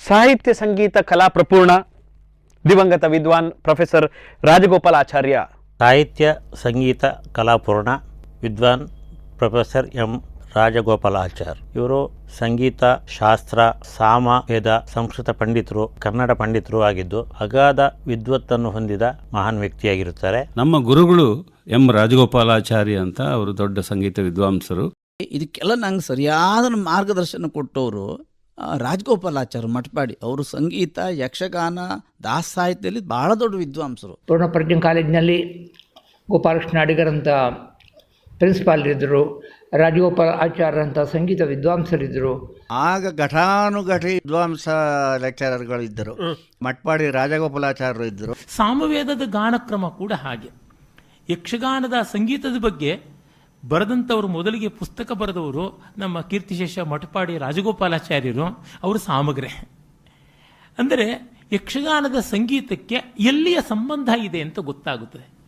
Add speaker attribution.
Speaker 1: ಸಾಹಿತ್ಯ ಸಂಗೀತ ಕಲಾ ಪ್ರಪೂರ್ಣ ದಿವಂಗತ ವಿದ್ವಾನ್ ಪ್ರೊಫೆಸರ್ ರಾಜಗೋಪಾಲಾಚಾರ್ಯ.
Speaker 2: ಸಾಹಿತ್ಯ ಸಂಗೀತ ಕಲಾಪೂರ್ಣ ವಿದ್ವಾನ್ ಪ್ರೊಫೆಸರ್ ಎಂ ರಾಜಗೋಪಾಲಾಚಾರ್. ಇವರು ಸಂಗೀತ ಶಾಸ್ತ್ರ ಸಾಮವೇದ ಸಂಸ್ಕೃತ ಪಂಡಿತರು, ಕನ್ನಡ ಪಂಡಿತರು ಆಗಿದ್ದು ಅಗಾಧ ವಿದ್ವತ್ತನ್ನು ಹೊಂದಿದ ಮಹಾನ್ ವ್ಯಕ್ತಿಯಾಗಿರುತ್ತಾರೆ.
Speaker 3: ನಮ್ಮ ಗುರುಗಳು ಎಂ ರಾಜಗೋಪಾಲಾಚಾರ್ಯ ಅಂತ, ಅವರು ದೊಡ್ಡ ಸಂಗೀತ ವಿದ್ವಾಂಸರು.
Speaker 4: ಇದಕ್ಕೆಲ್ಲ ನಂಗೆ ಸರಿಯಾದ ಮಾರ್ಗದರ್ಶನ ಕೊಟ್ಟವರು ರಾಜಗೋಪಾಲಾಚಾರ್ಯ ಮಠಪಾಡಿ. ಅವರು ಸಂಗೀತ, ಯಕ್ಷಗಾನ, ದಾಸ ಸಾಹಿತ್ಯದಲ್ಲಿ ಬಹಳ ದೊಡ್ಡ ವಿದ್ವಾಂಸರು.
Speaker 5: ಪೂರ್ಣಪ್ರಜ್ಞೆ ಕಾಲೇಜಿನಲ್ಲಿ ಗೋಪಾಲಕೃಷ್ಣ ಅಡಿಗರಂಥ ಪ್ರಿನ್ಸಿಪಾಲ್ ಇದ್ದರು, ರಾಜಗೋಪಾಲ ಆಚಾರ್ಯ ಅಂತ ಸಂಗೀತ ವಿದ್ವಾಂಸರಿದ್ದರು.
Speaker 6: ಆಗ ಘಟಾನುಘಟಿ ವಿದ್ವಾಂಸ ಲೆಕ್ಚರರ್ಗಳಿದ್ದರು. ಮಟ್ಪಾಡಿ ರಾಜಗೋಪಾಲಾಚಾರ್ಯರು ಇದ್ದರು.
Speaker 7: ಸಾಮವೇದದ ಗಾನಕ್ರಮ ಕೂಡ ಹಾಗೆ. ಯಕ್ಷಗಾನದ ಸಂಗೀತದ ಬಗ್ಗೆ ಬರೆದಂಥವರು, ಮೊದಲಿಗೆ ಪುಸ್ತಕ ಬರೆದವರು ನಮ್ಮ ಕೀರ್ತಿಶೇಷ ಮಠಪಾಡಿ ರಾಜಗೋಪಾಲಾಚಾರ್ಯರು. ಅವರು ಸಾಮಗ್ರೆ. ಅಂದರೆ ಯಕ್ಷಗಾನದ ಸಂಗೀತಕ್ಕೆ ಎಲ್ಲಿಯ ಸಂಬಂಧ ಇದೆ ಅಂತ ಗೊತ್ತಾಗುತ್ತದೆ.